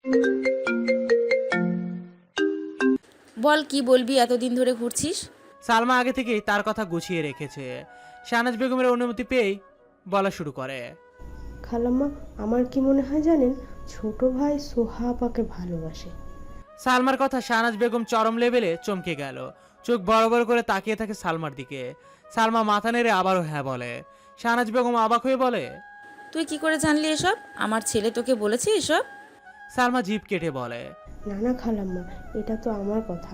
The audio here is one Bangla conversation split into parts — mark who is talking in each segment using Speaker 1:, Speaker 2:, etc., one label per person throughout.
Speaker 1: বল, কি বলবি? এতদিন ধরে ঘুরছিস।
Speaker 2: সালমা আগে থেকেই তার কথা গুছিয়ে রেখেছে। শাহনাজ বেগমের অনুমতি পেয়েই বলা শুরু করে।
Speaker 3: খালাম্মা, আমার কি মনে হয় জানেন, ছোট ভাই সোহা আপাকে ভালোবাসে।
Speaker 2: সালমার কথা শাহনাজ বেগম চরম লেভেলে চমকে গেল। চোখ বড় বড় করে তাকিয়ে থাকে সালমার দিকে। সালমা মাথা নেড়ে আবারও হ্যাঁ বলে। শাহনাজ বেগম অবাক হয়ে বলে,
Speaker 1: তুই কি করে জানলি এসব? আমার ছেলে তোকে বলেছে এসব?
Speaker 2: সালমা জিভ কেটে বলে,
Speaker 3: না না খালাম্মা, এটা তো আমার কথা,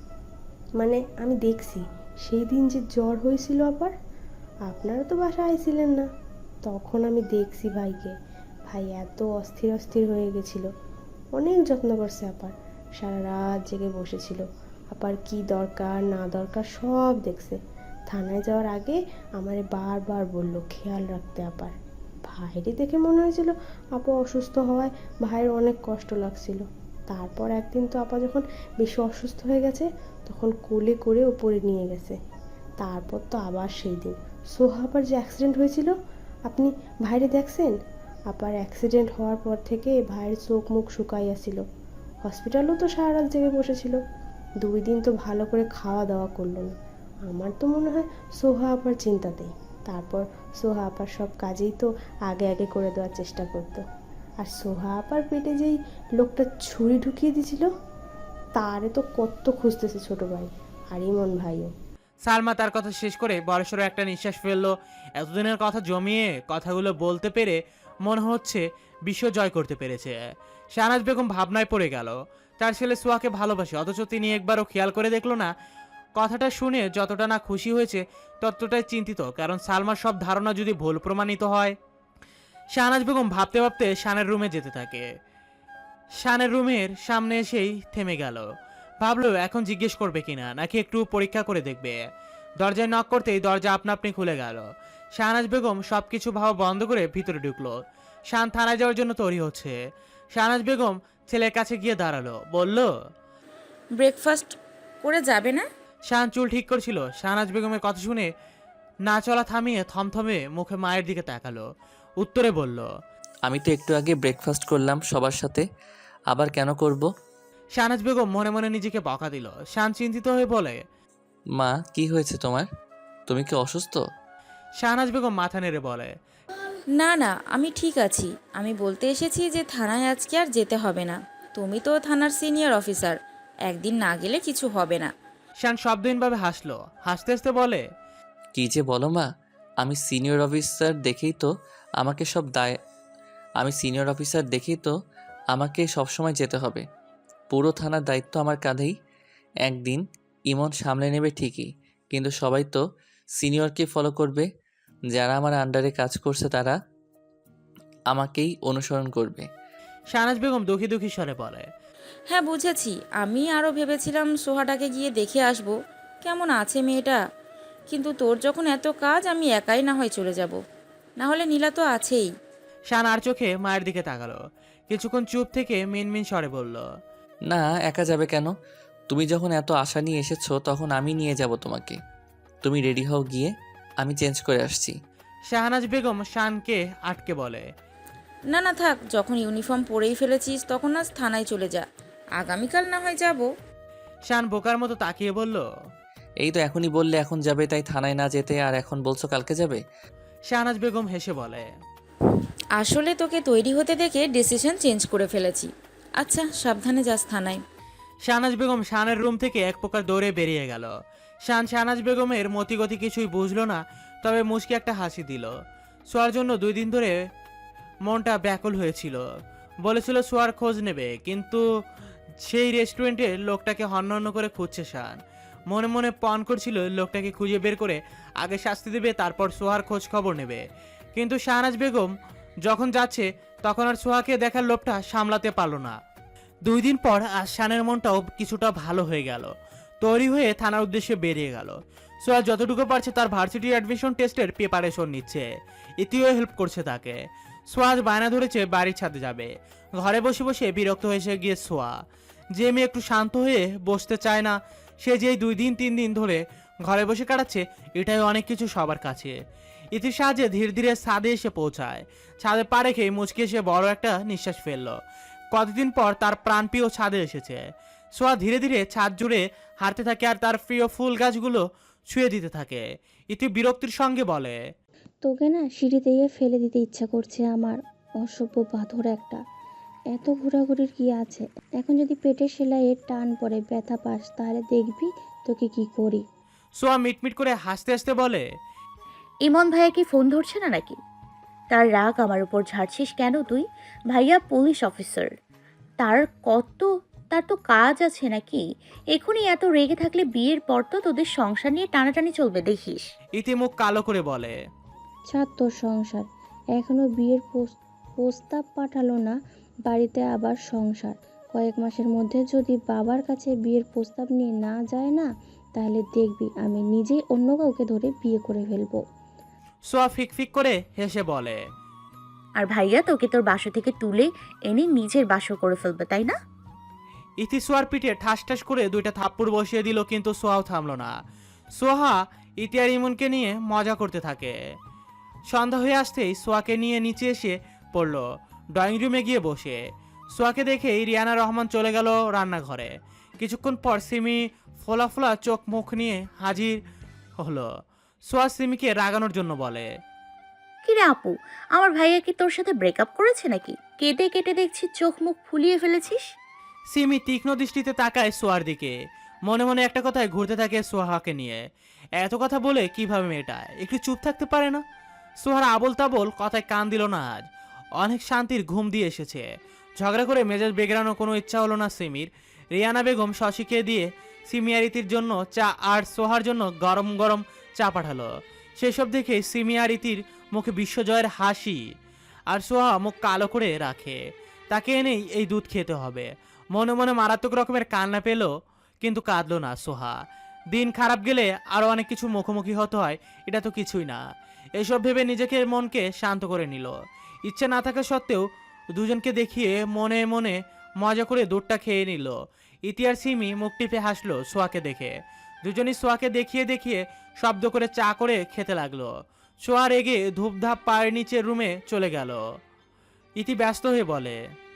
Speaker 3: মানে আমি দেখছি সেই দিন যে জ্বর হয়েছিল আবার, আপনারা তো বাসায় আইছিলেন না, তখন আমি দেখছি ভাইকে। ভাই এত অস্থির অস্থির হয়ে গেছিল, অনেক যত্ন করছে আপার, সারা রাত জেগে বসেছিল। আপার কি দরকার না দরকার সব দেখছে। থানায় যাওয়ার আগে আমারে বারবার বলল খেয়াল রাখতে আপার। ভাইরে দেখে মনে হয়েছিল আপা অসুস্থ হওয়ায় ভাইয়ের অনেক কষ্ট লাগছিল। তারপর একদিন তো আপা যখন বেশি অসুস্থ হয়ে গেছে, তখন কোলে করে ওপরে নিয়ে গেছে। তারপর তো আবার সেই দিন সোহা আপার যে অ্যাক্সিডেন্ট হয়েছিল, আপনি ভাইরে দেখছেন? আপার অ্যাক্সিডেন্ট হওয়ার পর থেকে ভাইয়ের চোখ মুখ শুকাইয়াছিল। হসপিটালও তো সারা রাত জেগে বসেছিল। 2 দিন তো ভালো করে খাওয়া দাওয়া করলো না। আমার তো মনে হয় সোহা আপার চিন্তাতেই। তারপর সোহা আপার সব কাজেই তো আগে আগে করে দেওয়ার চেষ্টা করতো। আর সোহা আপার পেটে যেই লোকটা ছুরি ঢুকিয়ে দিছিল, তারে তো কত খুঁজতেছে ছোট ভাই আর ইমন ভাইও।
Speaker 2: সালমা তার কথা শেষ করে বড়সড় একটা নিঃশ্বাস ফেললো। এতদিনের কথা জমিয়ে কথাগুলো বলতে পেরে মনে হচ্ছে বিশ্ব জয় করতে পেরেছে। শাহনাজ বেগম ভাবনায় পড়ে গেল। তার ছেলে সোয়াকে ভালোবাসে, অথচ তিনি একবারও খেয়াল করে দেখলো না। কথাটা শুনে যতটা না খুশি হয়েছে ততটাই চিন্তিত, কারণ সালমার সব ধারণা যদি ভুল প্রমাণিত হয়। শাহনাজ বেগম ভাবতে ভাবতে শানের রুমে যেতে থাকে। শানের রুমের সামনে এসেই থেমে গেল। ভাবলো এখন জিজ্ঞেস করবে কিনা, নাকি একটু পরীক্ষা করে দেখবে। দরজায় নক করতেই দরজা আপনা আপনি খুলে গেল। শাহনাজ বেগম সবকিছু ভাবা বন্ধ করে ভিতরে ঢুকলো। শান থানায় যাওয়ার জন্য তৈরি হচ্ছে। শাহনাজ বেগম ছেলের কাছে গিয়ে দাঁড়ালো, বলল,
Speaker 1: ব্রেকফাস্ট করে যাবে না?
Speaker 2: শান চুল ঠিক করছিল। শাহনাজ বেগমের কথা শুনে না চলা থামিয়ে থমথমে মুখে মায়ের দিকে তাকালো। উত্তরে বলল,
Speaker 4: আমি তো একটু আগে ব্রেকফাস্ট করলাম সবার সাথে, আবার কেন করব?
Speaker 2: শাহনাজ বেগম মনে মনে নিজেকে বকা দিল। শান চিন্তিত হয়ে বলে,
Speaker 4: মা, কি হয়েছে তোমার? তুমি কি অসুস্থ?
Speaker 2: শাহনাজ বেগম মাথা নেড়ে বলে,
Speaker 1: না না, আমি ঠিক আছি। আমি বলতে এসেছি যে থানায় আজকে আর যেতে হবে না। তুমি তো থানার সিনিয়র অফিসার, একদিন না গেলে কিছু হবে না।
Speaker 2: শান শব্দহীনভাবে হাসলো। হাসতে হাসতে বলে,
Speaker 4: কি যে বলো মা, আমি সিনিয়র অফিসার দেখেই তো আমাকে সব দায় আমি সিনিয়র অফিসার দেখেই তো আমাকে সবসময় যেতে হবে। পুরো থানার দায়িত্ব আমার কাঁধেই। একদিন ইমন সামলে নেবে ঠিকই, কিন্তু সবাই তো সিনিয়রকে ফলো করবে। যারা আমার আন্ডারে কাজ করছে তারা আমাকেই অনুসরণ করবে।
Speaker 2: শাহনাজ বেগম দুঃখী দুঃখী স্বরে বলে,
Speaker 1: হ্যাঁ বুঝেছি। আমি আরও ভেবেছিলাম সোহাটাকে গিয়ে দেখে আসব কেমন আছে মেয়েটা, কিন্তু তোর যখন এত কাজ, আমি একাই না হয় চলে যাব। না হলে নীলা তো আছেই।
Speaker 2: শান আর চোখে মায়ের দিকে তাকালো। কিছুক্ষণ চুপ থেকে মিনমিন স্বরে বলল,
Speaker 4: না, একা যাবে কেন? তুমি যখন এত আশা নিয়ে এসেছো তখন আমি নিয়ে যাব তোমাকে। তুমি রেডি হও গিয়ে, আমি চেঞ্জ করে আসছি।
Speaker 2: শাহনাজ বেগম শানকে আটকে বলে,
Speaker 1: না না থাক, যখন ইউনিফর্ম পরেই ফেলেছিস তখন আজ থানায় চলে যা, আগামীকাল না হয় যাব।
Speaker 2: শান বোকার মতো তাকিয়ে বলল,
Speaker 4: এই তো এখনই বললে এখন যাবে, তাই থানায় না যেতে আর এখন বলছো কালকে যাবে?
Speaker 2: শাহনাজ বেগম হেসে বলে,
Speaker 1: আসলে তোকে তৈরি হতে দেখে ডিসিশন চেঞ্জ করে ফেলেছি। আচ্ছা, সাবধানে যাস থানায়।
Speaker 2: শাহনাজ বেগম শানের রুম থেকে এক প্রকার দৌড়ে বেরিয়ে গেল। শান শাহনাজ বেগমের মতিগতি কিছুই বুঝলো না, তবে মুচকি একটা হাসি দিল। সোয়ার জন্য 2 দিন ধরে মনটা ব্যাকুল হয়েছিল। বলেছিল সোয়ার খোঁজ নেবে, কিন্তু সেই রেস্টুরেন্টের লোকটাকে হন্য করে খুঁজছে শান। মনে মনে পণ করছিল লোকটাকে খুঁজে বের করে আগে শাস্তি দেবে, তারপর সোহার খোঁজ খবর নেবে। কিন্তু শাহনাজ বেগম যখন যাচ্ছে তখন আর সোহাকে দেখার লোভটা সামলাতে পারল না। 2 দিন পর আজ শানের মনটাও কিছুটা ভালো হয়ে গেল। তৈরি হয়ে থানার উদ্দেশ্যে বেরিয়ে গেল। সোহা যতটুকু পারছে তার ভার্সিটি অ্যাডমিশন টেস্টের প্রিপারেশন নিচ্ছে। ইতিও হেল্প করছে তাকে। সোহা আজ বায়না ধরেছে বাড়ির ছাদে যাবে। ঘরে বসে বসে বিরক্ত হয়েছে গিয়ে সোহা। যে মেয়ে একটু শান্ত হয়ে বসতে চায় না, সে যেই 2 দিন 3 দিন ধরে ঘরে বসে কাটাচ্ছে, এটাই অনেক কিছু সবার কাছে। ইতির সাহায্যে ধীরে ধীরে ছাদে এসে পৌঁছায়। ছাদে পা রেখে মুচকে এসে বড় একটা নিঃশ্বাস ফেললো। কতদিন পর তার প্রাণপ্রিয় ছাদে এসেছে। সোয়া ধীরে ধীরে ছাদ জুড়ে হাঁটতে থাকে আর তার প্রিয় ফুল গাছগুলো ছুঁয়ে দিতে থাকে। ইতি বিরক্তির সঙ্গে বলে,
Speaker 5: তোকে না সিঁড়িতে গিয়ে ফেলে দিতে ইচ্ছা করছে আমার, অসভ্য পাথর একটা। এত ঘোরাঘুরির কি আছে? এখন যদি পেটের সেলাইয়ের টান পড়ে ব্যথা পাস তাহলে দেখবি তোকে কি করি।
Speaker 2: সোয়া মিটমিট করে হাসতে হাসতে বলে,
Speaker 6: ইমন ভাইয়া কি ফোন ধরছে না নাকি? তার রাগ আমার উপর ঝাড়ছিস কেন তুই? ভাইয়া পুলিশ অফিসার, তার কত তার তো কাজ আছে নাকি? এখনই এত রেগে থাকলে বিয়ের পর তো তোদের সংসার নিয়ে টানাটানি চলবে দেখিস।
Speaker 2: ইতি মুখ কালো করে বলে,
Speaker 5: ছাড় তোর সংসার, এখনো বিয়ের প্রস্তাব পাঠালো না, বাড়িতে আবার সংসার। কয়েক মাসের মধ্যে যদি বাবার কাছে বিয়ের প্রস্তাব নিয়ে না যায় না, তাহলে দেখবি আমি নিজেই অন্য কাউকে ধরে বিয়ে করে ফেলবো।
Speaker 2: সোয়া ফিক ফিক করে হেসে বলে,
Speaker 6: আর ভাইয়া তোকে তোর বাসা থেকে তুলে এনে নিজের বাসর করে ফেলবে তাই না?
Speaker 2: ইতি সোয়ার পিঠে ঠাস ঠাস করে দুইটা থাপ্পড় বসিয়ে দিল, কিন্তু সোয়াও থামলো না। সোহা ইতি আর ইমনকে নিয়ে মজা করতে থাকে। সন্ধ্যা হয়ে আসতেই সোয়াকে নিয়ে নিচে এসে পড়ল, ড্রয়িং রুমে গিয়ে বসে। সোয়াকে দেখেই রিয়ানা রহমান চলে গেল রান্নাঘরে। কিছুক্ষণ পর সিমি ফোলা ফোলা চোখ মুখ নিয়ে হাজির হলো। সোয়া সিমিকে রাগানোর জন্য বলে,
Speaker 6: কিরে আপু, আমার ভাইয়া কি তোর সাথে ব্রেকআপ করেছে নাকি? কেটে কেটে দেখছি চোখ মুখ ফুলিয়ে ফেলেছিস।
Speaker 2: সিমি তীক্ষ্ণ দৃষ্টিতে তাকায় সোয়ার দিকে, মনে মনে একটা কথায় ঘুরতে থাকে সোহাকে নিয়ে। এত কথা বলে কিভাবে মেয়েটা একটু চুপ থাকতে পারে না? সোহার আবল তাবল কথায় কান দিল না আজ। অনেক শান্তির ঘুম দিয়ে এসেছে। ঝগড়া করে মেজাজ বেগড়ানোর কোনো ইচ্ছা হলো না সিমির। রিয়ানা বেগম শশীকে দিয়ে সিমি আর ইতির জন্য চা আর সোহার জন্য গরম গরম চা পাঠালো। সেসব দেখে সিমি আর ইতির মুখে বিশ্বজয়ের হাসি, আর সোহা মুখ কালো করে রাখে। তাকে এনেই এই দুধ খেতে হবে। মনে মনে মারাত্মক রকমের কান্না পেল, কিন্তু কাঁদলো না সোহা। দিন খারাপ গেলে আরও অনেক কিছু মুখোমুখি হতে হয়, এটা তো কিছুই না। এসব ভেবে নিজেকে মনকে শান্ত করে নিল। ইচ্ছে না থাকা সত্ত্বেও দুজনকে দেখিয়ে মনে মনে মজা করে দুধটা খেয়ে নিল। ইতি আর সিমি মুখ টিপে হাসলো সোয়াকে দেখে। দুজনই সোয়াকে দেখিয়ে দেখিয়ে শব্দ করে চা করে খেতে লাগলো। সোয়া রেগে ধূপধাপ পায়ের নিচের রুমে চলে গেল। ইতি ব্যস্ত হয়ে বলে,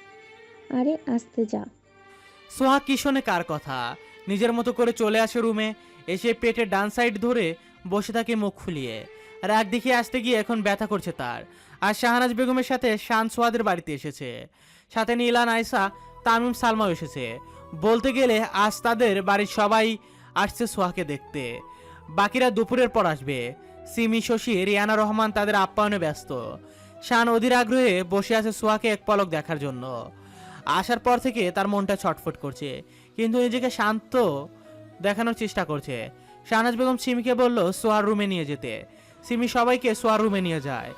Speaker 5: আরে আসতে যা।
Speaker 2: সোহা কি শোনে কার কথা? নিজের মতো করে চলে আসে রুমে। এসে পেটে ডান সাইড ধরে বসে থাকে মুখ ফুলিয়ে। রাগ দেখিয়ে আসতে গিয়ে এখন ব্যথা করছে তার। আর শাহনাজ বেগমের সাথে শান সোয়াদের বাড়িতে এসেছে। সাথে নীলা, নাইসা, তামিম, সালমাও এসেছে। বলতে গেলে আজ তাদের বাড়ির সবাই আসছে সোহাকে দেখতে। বাকিরা দুপুরের পর আসবে। সিমি, শশী, রিয়ানা রহমান তাদের আপ্যায়নে ব্যস্ত। শান অধীর আগ্রহে বসে আছে সোহাকে এক পলক দেখার জন্য। আসার পর থেকে তার মনটা ছটফট করছে, কিন্তু নিজেকে শান্ত দেখানোর চেষ্টা করছে। শাহনাজ বেগম সিমিকে বলল সোহার রুমে নিয়ে যেতে। সিমি সবাইকে সোহার রুমে নিয়ে যায়।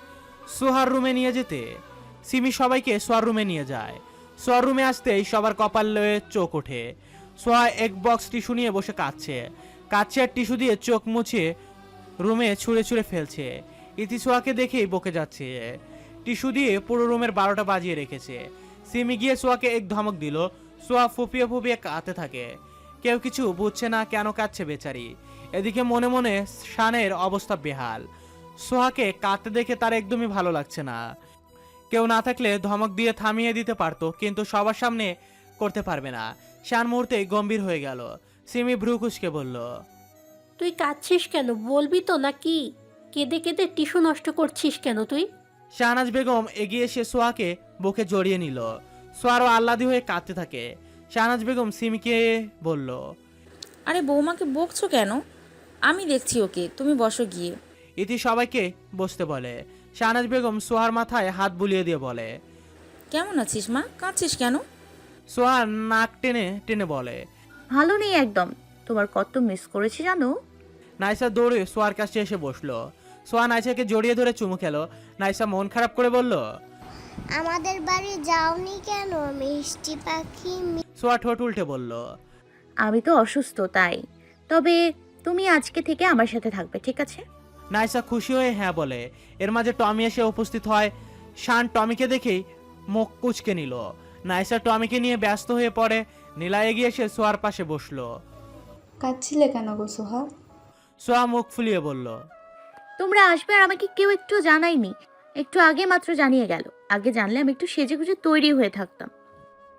Speaker 2: সিমি সবাইকে সোহার রুমে নিয়ে যায়। সোহার রুমে আসতেই সবার কপাল লয়ে চোখ ওঠে। সোহা এক বক্স টিস্যু নিয়ে বসে কাঁদছে আর টিস্যু দিয়ে চোখ মুছে রুমে ছুঁড়ে ছুঁড়ে ফেলছে। ইতি সোহাকে দেখেই বকে যাচ্ছে। টিস্যু দিয়ে পুরো রুমের 12টা বাজিয়ে রেখেছে। সিমি গিয়ে সোহাকে এক ধমক দিল। সোহা ফুপিয়ে ফুপিয়ে কাঁদতে থাকে। কেউ কিছু বুঝছে না কেন কাঁদছে বেচারি। এদিকে মনে মনে শানের অবস্থা বেহাল। সোহাকে কাঁদতে দেখে তার একদমই ভালো লাগছে না। কেউ না থাকলে ধমক দিয়ে থামিয়ে দিতে পারতো, কিন্তু সবার সামনে করতে পারবে না। শান মুহূর্তে গম্ভীর হয়ে গেল। সিমি ভ্রু কুঁচকে বলল,
Speaker 7: তুই কাঁদছিস কেন? বলবি তো নাকি? কেঁদে কেঁদে টিস্যু নষ্ট করছিস কেন তুই?
Speaker 2: শাহনাজ বেগম এগিয়ে এসে সোহাকে বুকে জড়িয়ে নিল। সোহারও আহ্লাদি হয়ে কাঁদতে থাকে। শাহনাজ বেগম সিমিকে বলল,
Speaker 1: আরে বৌমাকে বকছো কেন? আমি দেখছি ওকে, তুমি বসো গিয়ে।
Speaker 2: ইতি সবাইকে বসতে বলে। শাহনাজ বেগম সোহার মাথায় হাত বুলিয়ে দিয়ে বলে,
Speaker 1: কেমন আছিস মা? কাঁদছিস কেন?
Speaker 2: সোহা নাক টেনে টেনে বলে,
Speaker 6: ভালো নেই একদম, তোমার কত মিস করেছি জানো।
Speaker 2: নাইসা দৌড়ে সোহার কাছে এসে বসলো। সোহা নাইসাকে জড়িয়ে ধরে চুমু খেলো। নাইসা মন খারাপ করে বলল,
Speaker 8: আমাদের বাড়ি যাওনি কেন মিষ্টি পাখি?
Speaker 2: সোহা ঠোঁট উল্টে বলল,
Speaker 6: আমি তো অসুস্থ তাই, তবে তুমি আজকে থেকে আমার সাথে থাকবে, ঠিক আছে?
Speaker 2: নাইসা খুশি হয়ে হ্যাঁ বলে। এর মাঝে টমি এসে উপস্থিত হয়। শান টমিকে দেখেই মুখ কুচকে নিল। নাইসা টমিকে নিয়ে ব্যস্ত হয়ে পড়ে। নীলা এগিয়ে এসে সোহার পাশে বসলো।
Speaker 9: কাঁদছিলে কেন গো সোহা?
Speaker 2: সোহা মুখ ফুলিয়ে বলল,
Speaker 6: তোমরা আসবে আর আমাকে কেউ একটু জানায়নি, একটু আগে মাত্র জানিয়ে গেল। আগে জানলে আমি একটু সেজে গুজে তৈরি হয়ে থাকতাম।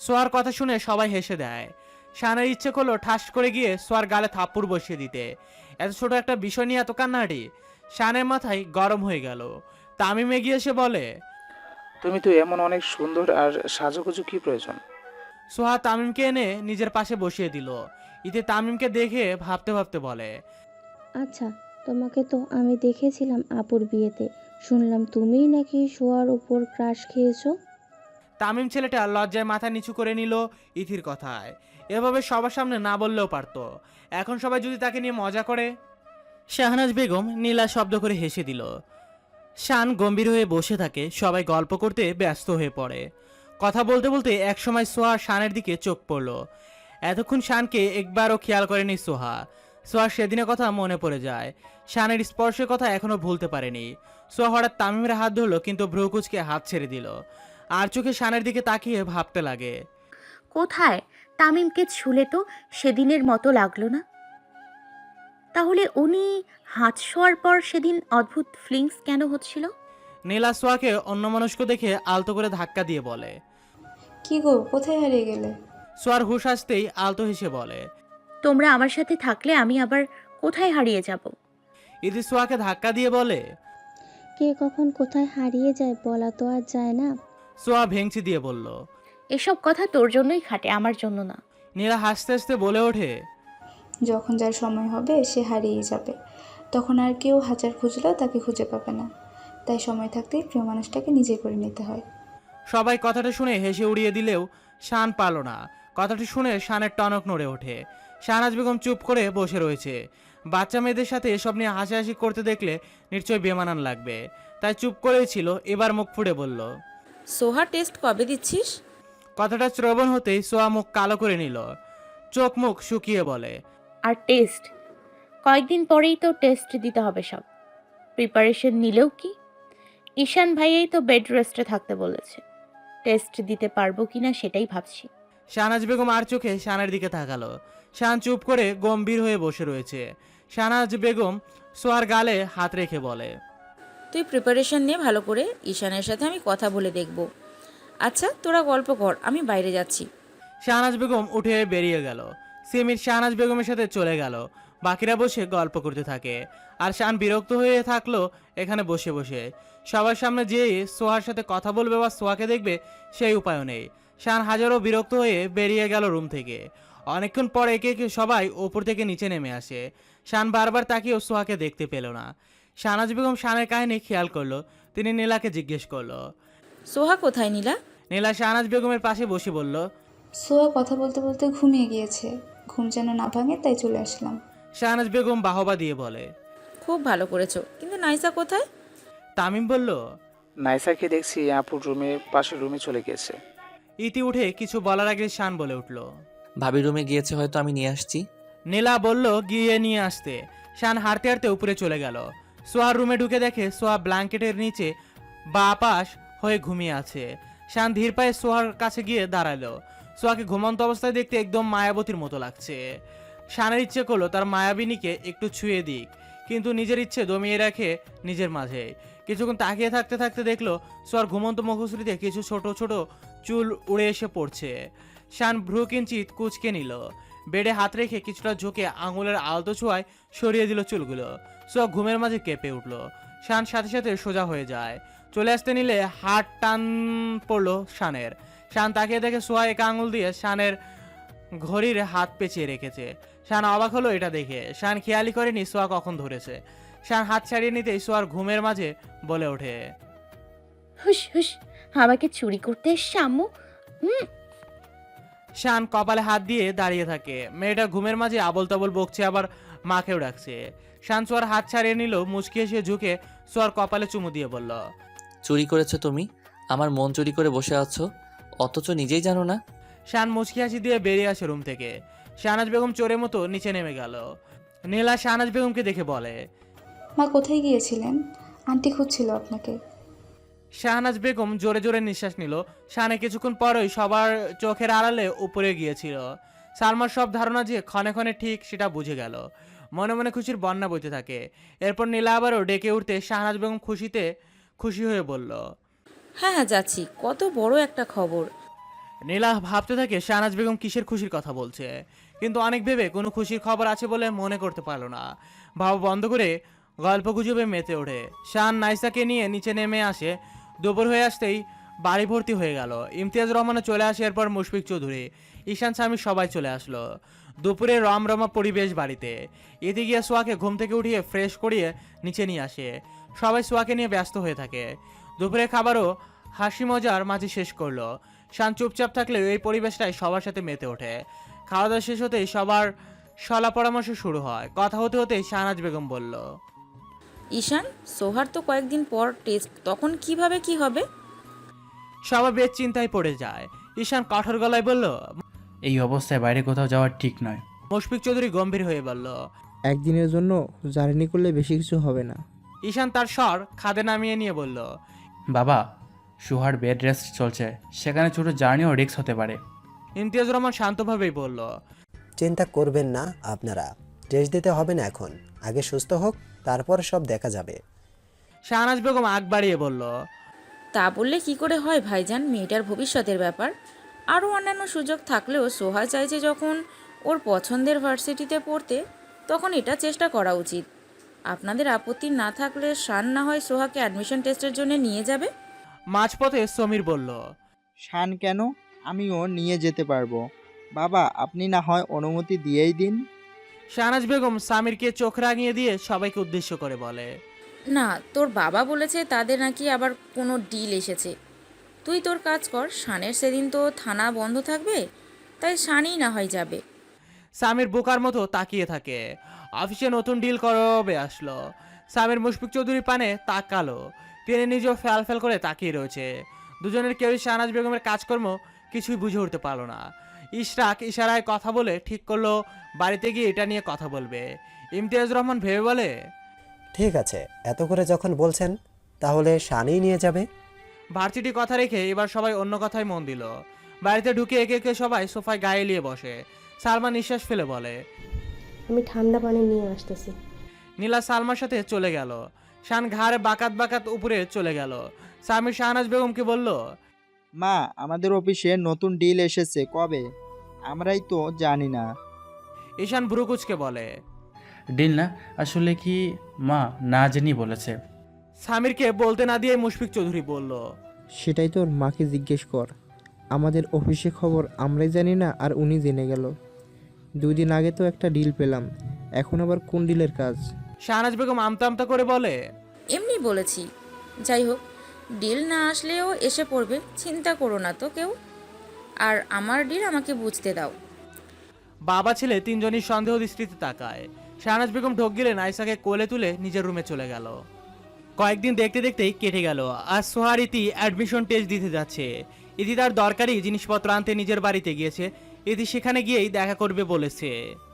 Speaker 2: সোয়ার কথা শুনে সবাই হেসে দেয়। শানের ইচ্ছে করলো ঠাস করে গিয়ে সোয়ার গালে থাপ্পড় বসিয়ে দিতে। এত ছোট একটা বিষয় নিয়ে এত কান্নাকাটি। শানের মাথায় গরম হয়ে গেল। তামিম এগিয়ে এসে বলে,
Speaker 10: তুমি তো এমন অনেক সুন্দর, আর সাজুগুজু কি প্রয়োজন?
Speaker 2: সোহা তামিমকে এনে নিজের পাশে বসিয়ে দিল। ইতি তামিমকে দেখে ভাবতে ভাবতে বলে,
Speaker 5: আচ্ছা, তোমাকে তো আমি দেখেছিলাম আপুর বিয়েতে। শুনলাম তুমিই নাকি শোয়ার ওপর ক্রাশ খেয়েছো।
Speaker 2: তামিম ছেলেটা লজ্জায় মাথা নিচু করে নিল ইথির কথায়। এভাবে সবার সামনে না বললেও পারতো। এখন সবাই যদি তাকে নিয়ে মজা করে। শাহনাজ বেগম নীলা শব্দ করে হেসে দিল। শান গম্ভীর হয়ে বসে থাকে। সবাই গল্প করতে ব্যস্ত হয়ে পড়ে। কথা বলতে বলতে একসময় সোহা শানের দিকে চোখ পড়ল। এতক্ষণ শানকে একবারও খেয়াল করেনি সোহা। সোহার সেদিনের কথা মনে পড়ে যায়। শানের স্পর্শের কথা এখনো ভুলতে পারেনি। সোহা হঠাৎ তামিমের হাত ধরলো, কিন্তু ভ্রুকুচকে হাত ছেড়ে দিল। আর চোখে শানের দিকে তাকিয়ে ভাবতে লাগে,
Speaker 6: কোথায়? তামিমকে ছুলে তো সেদিনের মতো লাগলো না। তাহলে উনি হাত শোয়ার পর সেদিন অদ্ভুত ফিলিংস কেন হচ্ছিল?
Speaker 2: নীলা সোয়াকে অন্যমনস্ক দেখে আলতো করে ধাক্কা দিয়ে বলে।
Speaker 9: কি গো, কোথায় হারিয়ে গেলে?
Speaker 2: সোয়ার হুঁশ আসতেই আলতো হেসে বলে।
Speaker 6: তোমরা আমার সাথে থাকলে আমি আবার কোথায় হারিয়ে যাব?
Speaker 2: ইতি সোয়াকে ধাক্কা দিয়ে বলে।
Speaker 5: কে কখন কোথায় হারিয়ে যায় বলা তো আর যায় না।
Speaker 2: সোয়া ভেঙচি দিয়ে বলল।
Speaker 6: এসব কথা তোর জন্যই খাটে, আমার জন্য না।
Speaker 2: নীলা হাসতে হাসতে বলে ওঠে,
Speaker 9: যখন যার সময় হবে সে হারিয়ে যাবে, তখন আর কেউ হাজার খুঁজলেও তাকে খুঁজে পাবে না। তাই সময় থাকতেই প্রিয় মানুষটাকে নিজে করে নিতে হয়।
Speaker 2: সবাই কথাটা শুনে হেসে উড়িয়ে দিলেও শান পারল না। কথাটি শুনে শানের টনক নড়ে ওঠে। শাহনাজ বেগম চুপ করে বসে রয়েছে। বাচ্চা মেয়েদের সাথে এসব নিয়ে হাসাহাসি করতে দেখলে নিশ্চয়ই বেমানান লাগবে। তাই চুপ করেই ছিল। এবার মুখ ফুটে বলল,
Speaker 1: সোহা টেস্ট কবে দিচ্ছিস?
Speaker 2: কথাটা শ্রবণ হতেই সোয়া মুখ কালো করে নিল। চোখ মুখ শুকিয়ে বলে,
Speaker 6: আর টেস্ট কয়েকদিন পরেই তো টেস্ট দিতে হবে সব। প্রিপারেশন নিলেও কি? ঈশান ভাইয়াই তো বেড রেস্টে থাকতে বলেছে। টেস্ট দিতে পারবো কিনা সেটাই ভাবছি।
Speaker 2: শাহনাজ বেগম আর চোখে শানের দিকে তাকালো। শান চুপ করে গম্ভীর হয়ে বসে রয়েছে। শাহনাজ বেগম সোয়ার গালে হাত রেখে বলে,
Speaker 1: তুই প্রিপারেশন নে ভালো করে। ঈশানের সাথে আমি কথা বলে দেখব। আচ্ছা তোরা গল্প কর, আমি বাইরে যাচ্ছি।
Speaker 2: শাহনাজ বেগম উঠে বেরিয়ে গেল। সিমির শাহনাজ বেগমের সাথে চলে গেল। বাকিরা বসে গল্প করতে থাকে। আর শান বিরক্ত হয়ে থাকলো এখানে বসে বসে। সবার সামনে যেয়ে সোহার সাথে কথা বলবে বা সোহাকে দেখবে সেই উপায়ও নেই। শান হাজারো বিরক্ত হয়ে বেরিয়ে গেল রুম থেকে। অনেকক্ষণ পর একে একে সবাই ওপর থেকে নিচে নেমে আসে। শান বারবার তাকিয়েও সোহাকে দেখতে পেল না। শাহনাজ বেগম শানের কাহিনী খেয়াল করলো। তিনি নীলাকে জিজ্ঞেস করলো।
Speaker 1: সোহা কোথায় নীলা?
Speaker 2: নীলা শাহনাজ বেগমের পাশে বসে বলল,
Speaker 9: সোয়া কথা বলতে বলতে ঘুমিয়ে গিয়েছে, ঘুম যেন না ভাঙে তাই চলে আসলাম।
Speaker 2: শাহনাজ বেগম বাহবা দিয়ে বলে।
Speaker 1: খুব ভালো করেছো, কিন্তু নাইসা কোথায়?
Speaker 2: তামিম বলল,
Speaker 10: নাইসাকে দেখছি আপুর রুমে, পাশের রুমে চলে গেছে।
Speaker 2: ইতি উঠে কিছু বলার আগে শান বলে উঠল,
Speaker 4: ভাবি রুমে গিয়েছে, হয়তো আমি নিয়ে আসছি।
Speaker 2: নীলা বলল গিয়ে নিয়ে আসতে। শান হাঁটতে হাঁটতে উপরে চলে গেল। সোয়ার রুমে ঢুকে দেখে সোয়া ব্ল্যাঙ্কেটের নিচে বা পাশ হয়ে ঘুমিয়ে আছে। শান ধীর পায়ে সোয়ার কাছে গিয়ে দাঁড়ালো। সোয়াকে ঘুমন্ত অবস্থায় দেখতে একদম মায়াবতীর মতো লাগছে। শানের ইচ্ছে করলো তার মায়াবিনীকে একটু ছুঁয়ে দিক, কিন্তু নিজের ইচ্ছে দমিয়ে রাখে নিজের মাঝে। কিছুক্ষণ তাকিয়ে থাকতে থাকতে দেখলো সোয়ার ঘুমন্ত মুখশ্রীতে কিছু ছোট ছোট চুল উড়ে এসে পড়ছে। শান ভ্রু কিঞ্চিত কুচকে নিল। বেডে হাত রেখে কিছুটা ঝুঁকে আঙুলের আলতো ছোঁয়ায় সরিয়ে দিল চুলগুলো। সোয়া ঘুমের মাঝে কেঁপে উঠল। শান সাথে সাথে সোজা হয়ে যায়। চলে আসতে নিলে হাত টান পড়লো শানের। শান তাকিয়ে দেখে সোয়া এক আঙুল দিয়ে শানের ঘড়ির হাত পেঁচিয়ে রেখেছে। শান অবাক হলো এটা দেখে। শান খেয়ালই করেনি সোয়া কখন ধরেছে। শান হাত ছাড়িয়ে নিতেই সোয়ার ঘুমের মাঝে বলে ওঠে,
Speaker 6: হুস হুস, আমাকে চুরি করতে এসছে আম্মু।
Speaker 2: শান কপালে হাত দিয়ে দাঁড়িয়ে থাকে। মেয়েটা ঘুমের মাঝে আবল তাবল বকছে, আবার মাকেও ডাকছে। শান সোয়ার হাত ছাড়িয়ে নিল। মুচকি এসে ঝুঁকে সোয়ার কপালে চুমু দিয়ে বলল,
Speaker 4: চুরি করেছো তুমি? আমার মন চুরি করে বসে আছো, অথচ নিজেই জানো না।
Speaker 2: শান মুচকি হাসি দিয়ে বেরিয়ে আসে রুম থেকে। শাহনাজ বেগম চোরের মতো নিচে নেমে গেল। নীলা শাহনাজ বেগমকে দেখে বলে,
Speaker 9: মা কোথায় গিয়েছিলেন? আন্টি খুঁজছিল আপনাকে।
Speaker 2: শাহনাজ বেগম জোরে জোরে নিঃশ্বাস নিল। শানে কিছুক্ষণ পরই সবার চোখের আড়ালে উপরে গিয়েছিল। সালমার সব ধারণা যে ক্ষণে ক্ষণে ঠিক, সেটা বুঝে গেল। মনে মনে খুশির বন্যা বইতে থাকে। এরপর নীলা আবারও ডেকে উঠতে শাহনাজ বেগম খুশি হয়ে বলল,
Speaker 1: হ্যাঁ হ্যাঁ যাচ্ছি। কত বড় একটা খবর।
Speaker 2: নীলা ভাবতে থাকে শাহনাজ বেগম কিসের খুশির কথা বলছে, কিন্তু অনেক ভেবে কোনো খুশির খবর আছে বলে মনে করতে পারলো না। ভাব বন্ধ করে গল্প গুজবে মেতে ওঠে। শান নাইসাকে নিয়ে নিচে নেমে আসে। দুপুর হয়ে আসতেই বাড়ি ভর্তি হয়ে গেল। ইমতিয়াজ রহমানও চলে আসে, এরপর মুশফিক চৌধুরী, ঈশান স্বামী সবাই চলে আসলো। দুপুরে রমরমা পরিবেশ বাড়িতে। এতে গিয়ে সোয়াকে ঘুম থেকে উঠিয়ে ফ্রেশ করিয়ে নিচে নিয়ে আসে। সবাই সোয়াকে নিয়ে ব্যস্ত হয়ে থাকে। দুপুরে খাবারও হাসি মজার মাঝে শেষ করলো। শান চুপচাপ থাকলেও এই পরিবেশটাই সবার সাথে মেতে ওঠে। খাওয়া দাওয়া শেষ হতেই সবার সলা পরামর্শ শুরু হয়। কথা হতে হতেই শাহনাজ বেগম বলল,
Speaker 1: ঈশান, সোহার তো কয়েকদিন পর টেস্ট, তখন কিভাবে কি হবে?
Speaker 2: সবাই বেশ চিন্তায় পড়ে যায়। ঈশান কঠোর গলায় বলল।
Speaker 11: এই অবস্থায় বাইরে কোথাও যাওয়া ঠিক নয়।
Speaker 2: মুশফিক চৌধুরী গম্ভীর হয়ে বলল।
Speaker 12: একদিনের জন্য জার্নি করলে বেশি কিছু হবে না।
Speaker 2: ঈশান তার স্বর খাদে নামিয়ে নিয়ে বলল,
Speaker 11: বাবা, সুহার বেড রেস্ট চলছে, সেখানে ছোট জার্নিও রিস্ক হতে পারে।
Speaker 2: ইমতিয়াজ রহমান শান্তভাবেই বলল,
Speaker 13: চিন্তা করবেন না আপনারা, টেস্ট দিতে হবে না এখন, আগে সুস্থ হোক, তারপর সব দেখা যাবে।
Speaker 2: শাহনাজ বেগম আগ বাড়িয়ে বলল,
Speaker 1: তা বললে কি করে হয় ভাইজান, মেয়েটার ভবিষ্যতের ব্যাপার। আরও অন্যান্য সুযোগ থাকলেও সোহা চাইছে যখন ওর পছন্দের ভার্সিটিতে পড়তে, তখন এটা চেষ্টা করা উচিত। আপনাদের আপত্তি না থাকলে শান না হয় সোহাকে অ্যাডমিশন টেস্টের জন্য নিয়ে যাবে।
Speaker 2: মাঝপথে সমীর বলল,
Speaker 12: শান কেন, আমিও নিয়ে যেতে পারবো। বাবা, আপনি না হয় অনুমতি দিয়েই দিন।
Speaker 2: শাহনাজ বেগম সামিরকে চোখ রাঙিয়ে দিয়ে সবাইকে উদ্দেশ্য করে বলে,
Speaker 1: না, তোর বাবা বলেছে তাদের নাকি আবার কোনো ডিল এসেছে। তুই তোর কাজ কর, শানের সেদিন তো থানা বন্ধ থাকবে, তাই শানই না হয় যাবে।
Speaker 2: সামির বোকার মতো তাকিয়ে থাকে। অফিসে নতুন ডিল করবে আসলো। সামির মুশফিক চৌধুরীর পানে তাকালো। তিনি নিজেও ফ্যাল ফ্যাল করে তাকিয়ে রয়েছে। দুজনের কেউই শাহনাজ বেগমের কাজকর্ম কিছুই বুঝে উঠতে পারলো না। ইশরাক ইশারায় কথা বলে ঠিক করলো বাড়িতে গিয়ে এটা নিয়ে কথা বলবে। ইমতিয়াজ রহমান ভেবে বলে,
Speaker 13: ঠিক আছে, এত করে যখন বলছেন তাহলে শানই নিয়ে যাবে।
Speaker 2: ভার্সিটি কথা রেখে এবার সবাই অন্য কথায় মন দিল। বাড়িতে ঢুকে একে একে সবাই সোফায় গায়ে এলিয়ে বসে। সালমা নিঃশ্বাস ফেলে বলে,
Speaker 3: আমি ঠান্ডা পানি নিয়ে আসতেছি।
Speaker 2: নীলা সালমার সাথে চলে গেল। শান ঘাড়ে বাকাত বাকাত উপরে চলে গেল। সামির শাহনাজ বেগমকে বলল,
Speaker 12: মা, আমাদের অফিসে নতুন ডিল এসেছে কবে? আমরাই তো জানি না।
Speaker 2: ঈশান ভ্রুকুচকে বলে,
Speaker 11: ডিল না, আসলে কি মা না জেনি বলেছে।
Speaker 2: সামিরকে বলতে না দিয়ে মুশফিক চৌধুরী বলল,
Speaker 12: সেটাই তোর মাকে জিজ্ঞেস কর। আমাদের অফিসে খবর আমরাই জানি না, আর উনি জেনে গেল। 2 দিন আগে তো একটা ডিল পেলাম, এখন আবার কোন ডিলের কাজ?
Speaker 2: শাহনাজ বেগম আমতা আমতা করে বলে,
Speaker 1: এমনি বলেছি। যাই হোক, ডিল না আসলেও এসে পড়বে, চিন্তা করো না তো কেউ। আর আমার ডিল আমাকে বুঝতে দাও।
Speaker 2: বাবা ছেলে তিনজনই সন্দেহ দৃষ্টিতে তাকায়। শাহনাজ বেগম ঢোক গেলে নাইসাকে কোলে তুলে নিজের রুমে চলে গেল। কয়েকদিন দেখতে দেখতেই কেটে গেল। আজ সোহার ইতি অ্যাডমিশন টেস্ট দিতে যাচ্ছে। ইতি তার দরকারি জিনিসপত্র আনতে নিজের বাড়িতে গিয়েছে। ইতি সেখানে গিয়েই দেখা করবে বলেছে।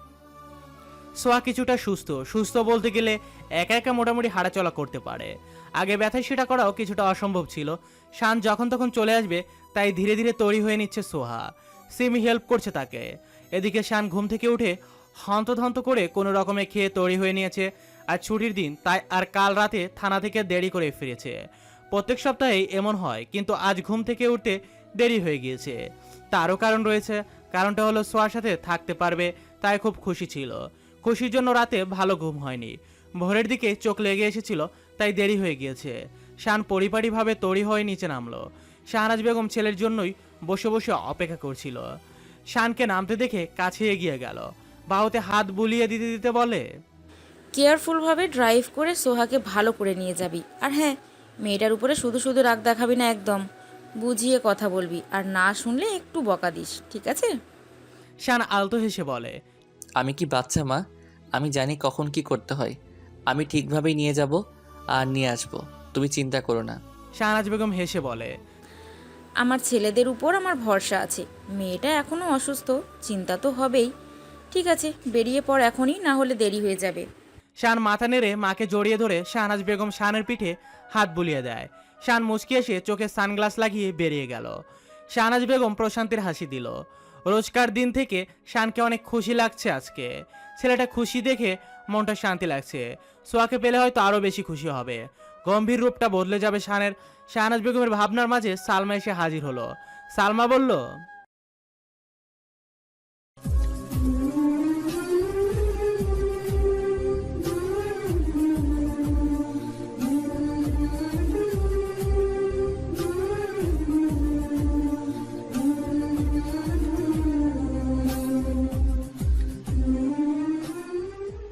Speaker 2: সোহা কিছুটা সুস্থ বলতে গেলে একা একা মোটামুটি হাঁটাচলা করতে পারে। আগে ব্যথায় সেটা করাও কিছুটা অসম্ভব ছিল। শান যখন তখন চলে আসবে, তাই ধীরে ধীরে তৈরি হয়ে নিচ্ছে সোহা। সিমি হেল্প করছে তাকে। এদিকে শান ঘুম থেকে উঠে হন্তধন্ত করে কোনো রকমে খেয়ে তৈরি হয়ে নিয়েছে। আর ছুটির দিন, তাই আর কাল রাতে থানা থেকে দেরি করে ফিরেছে। প্রত্যেক সপ্তাহেই এমন হয়, কিন্তু আজ ঘুম থেকে উঠতে দেরি হয়ে গিয়েছে। তারও কারণ রয়েছে। কারণটা হলো সোয়ার সাথে থাকতে পারবে, তাই খুব খুশি ছিল। খুশির জন্য রাতে ভালো ঘুম হয়নি। ভোরের দিকে চোখ লেগে এসেছিল, তাই দেরি হয়ে গিয়েছে। শান পরিপাটিভাবে তৈরি হয়ে নিচে নামলো। শাহনাজ বেগম ছেলের জন্যই বসে বসে অপেক্ষা করছিল। শানকে নামতে দেখে কাছে এগিয়ে গেল। বাহুতে হাত বুলিয়ে দিতে দিতে বলে,
Speaker 1: কেয়ারফুলভাবে ড্রাইভ করে সোহাকে ভালো করে নিয়ে যাবি। আর হ্যাঁ, মেয়েটার উপরে শুধু শুধু রাগ দেখাবি না, একদম বুঝিয়ে কথা বলবি। আর না শুনলে একটু বকা দিস, ঠিক আছে?
Speaker 2: শান আলতো হেসে বলে,
Speaker 4: আমি কি বাচ্চা মা? আমি জানি কখন কি করতে হয়। আমি ঠিকভাবেই নিয়ে যাব আর নিয়ে আসব, তুমি চিন্তা করো না।
Speaker 2: শাহনাজ বেগম হেসে বলে,
Speaker 1: আমার ছেলেদের উপর আমার ভরসা আছে। মেয়েটা এখনও অসুস্থ, চিন্তা তো হবেই। ঠিক আছে, বেরিয়ে পড় এখনই, না হলে দেরি হয়ে যাবে।
Speaker 2: শান মাথা নেড়ে মাকে জড়িয়ে ধরে শাহনাজ বেগম শানের পিঠে হাত বুলিয়ে দেয়। শান মুচকি এসে চোখে সানগ্লাস লাগিয়ে বেরিয়ে গেল। শাহনাজ বেগম প্রশান্তির হাসি দিল। রোজকার দিন থেকে শানকে অনেক খুশি লাগছে আজকে। ছেলেটা খুশি দেখে মনটা শান্তি লাগছে। সোয়াকে পেলে হয়তো আরও বেশি খুশি হবে। গম্ভীর রূপটা বদলে যাবে শানের। শাহনাজ বেগমের ভাবনার মাঝে সালমা এসে হাজির হলো। সালমা বলল,